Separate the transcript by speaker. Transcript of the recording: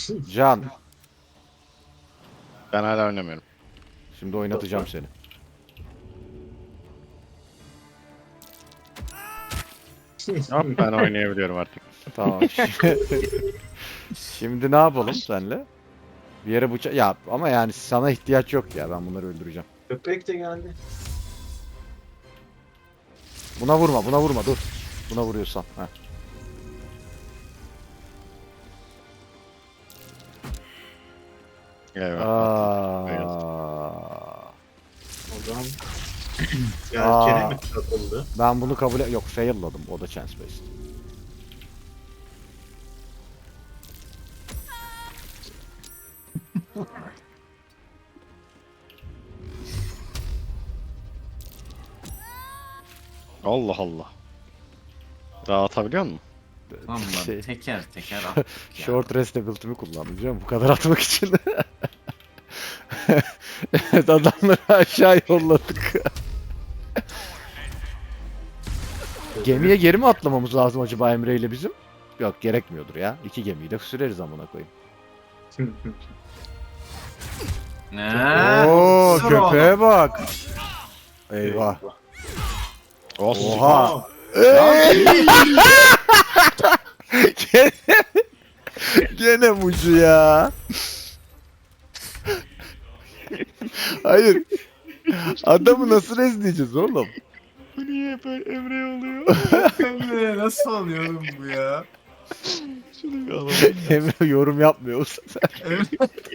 Speaker 1: Can,
Speaker 2: Ben hala oynamıyorum.
Speaker 1: şimdi oynatacağım seni.
Speaker 2: Hop ben oynayabiliyorum artık.
Speaker 1: Tamam. Şimdi ne yapalım senle? Bir yere bıçak... Ya ama yani sana ihtiyaç yok ya. Ben bunları öldüreceğim.
Speaker 3: Köpek de geldi.
Speaker 1: Buna vurma, buna vurma. Dur. Buna vuruyorsan. Heh.
Speaker 2: Evet.
Speaker 1: Aa,
Speaker 3: Adam
Speaker 1: Aa.
Speaker 3: yelkene mi takıldı?
Speaker 1: ben bunu Yok, fail'ladım. O da chance based.
Speaker 2: Allah Allah. Daha atabiliyor musun?
Speaker 4: Lan
Speaker 1: Şey,
Speaker 4: teker teker attık ya.
Speaker 1: short rest ability'mi kullandım biliyor musun? Bu kadar atmak için. Evet, adamları aşağı yolladık. Gemiye geri mi atlamamız lazım acaba Emre ile bizim? Yok, gerekmiyordur ya. 2 gemiyi de süreriz amına koyayım.
Speaker 4: Ne?
Speaker 1: Oo,
Speaker 4: Sür
Speaker 1: köpeğe
Speaker 4: oğlum.
Speaker 1: bak. Eyvah.
Speaker 2: Olsun.
Speaker 1: Oha. Gene, gene mucu ya. Hayır. Adamı nasıl rezleyeceğiz oğlum?
Speaker 2: Bu niye böyle Emre oluyor?
Speaker 4: Emre nasıl oluyor oğlum bu ya?
Speaker 2: Şunu bir alalım.
Speaker 1: Emre yorum yapmıyor.
Speaker 4: Emre